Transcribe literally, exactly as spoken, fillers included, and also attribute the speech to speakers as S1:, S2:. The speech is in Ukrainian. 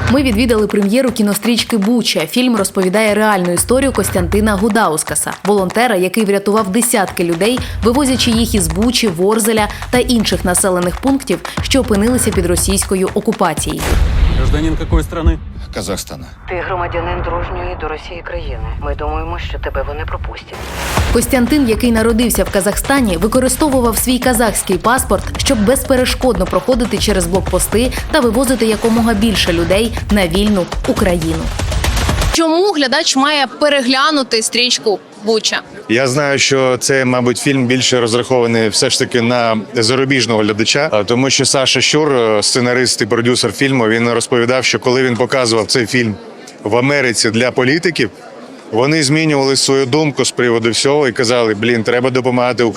S1: Ми відвідали прем'єру кінострічки «Буча». Фільм розповідає реальну історію Костянтина Гудаускаса, волонтера, який врятував десятки людей, вивозячи їх із Бучі, Ворзеля та інших населених пунктів, що опинилися під російською окупацією.
S2: Гражданин какой страны?
S3: Казахстана.
S4: Ти громадянин дружньої до Росії країни. Ми думаємо, що тебе вони пропустять.
S1: Костянтин, який народився в Казахстані, використовував свій казахський паспорт, щоб безперешкодно проходити через блокпости та вивозити якомога більше людей на вільну Україну.
S5: Чому глядач має переглянути стрічку «Буча»?
S3: Я знаю, що це, мабуть, фільм більше розрахований все ж таки на зарубіжного глядача, а, тому що Саша Щур, сценарист і продюсер фільму, він розповідав, що коли він показував цей фільм в Америці для політиків, вони змінювали свою думку з приводу всього і казали, блін, треба допомагати